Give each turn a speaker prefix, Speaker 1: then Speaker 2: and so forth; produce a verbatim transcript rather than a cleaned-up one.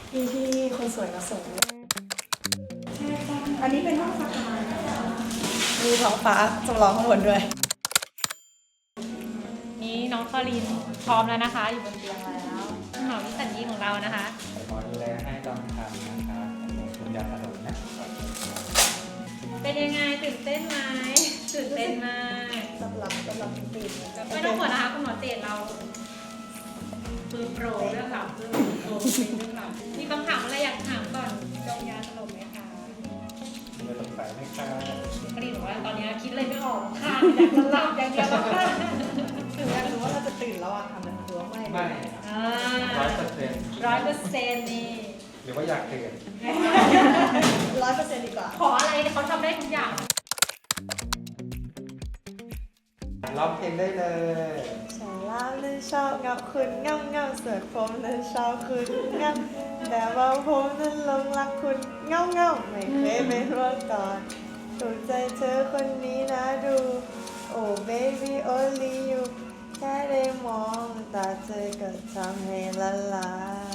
Speaker 1: พี่ที่คนสวยมาส่งอันนี้เป็นห้องพักมีท้องฟ้าจำลองข้างบนด้วย
Speaker 2: นี่น้องคอลินพร้อมแล้วนะคะ อยู่บนเตียงแล้วหมอวิสัญญีของเรานะคะ
Speaker 3: ขอดูแลให้ตอนทำนะคะคุณยาสลบนะ
Speaker 2: เป็นยังไงตื่นเต้นไหมตื่นเต้นมาก
Speaker 1: สำหรับสำหรับตื่น
Speaker 2: ไม่ต้องห่วงนะคะคุณหมอเจตเราคือโปรเรื่องหลับคือโปรเป็นเรื่องหลับมีคำถามอะไรอยากถามก่อนจองยาสลบไหมคะ
Speaker 3: ไม่สงสัยไหมคะ
Speaker 2: คอลินบอกว่าตอนนี้คิดเลยไม่ออกค่ะอยากจะหลับอย่างเดียวแล้วค่ะ
Speaker 1: คืออยากรู้ว่าเราจะตื่นแล้วอะค่ะมันคือว่าไม่
Speaker 3: ไม่
Speaker 2: อ่า
Speaker 3: ร้อยเปอร์เซ็นต์
Speaker 2: ร้อยเปอร์เซ็นต์นี่
Speaker 3: หรือว่าอยากตื่น
Speaker 1: ร้อยเปอร์เซ็นต์ดีกว่า
Speaker 2: ขออะไรเนี่ยเขาทำได้ทุกอย่าง
Speaker 3: ร้องเพลงได้เลย
Speaker 1: ชาลาเลยชอบเงาคุณเงาเงาเสือผมนั้นชอบคุณเงาแต่ว่าผมนั้นหลงรักคุณเงาเงาไม่เคยไม่รู้ก่อนถูกใจเธอคนนี้นะดู โอ้ baby only you แค่ได้มองตาเธอก็ทำให้ละลาย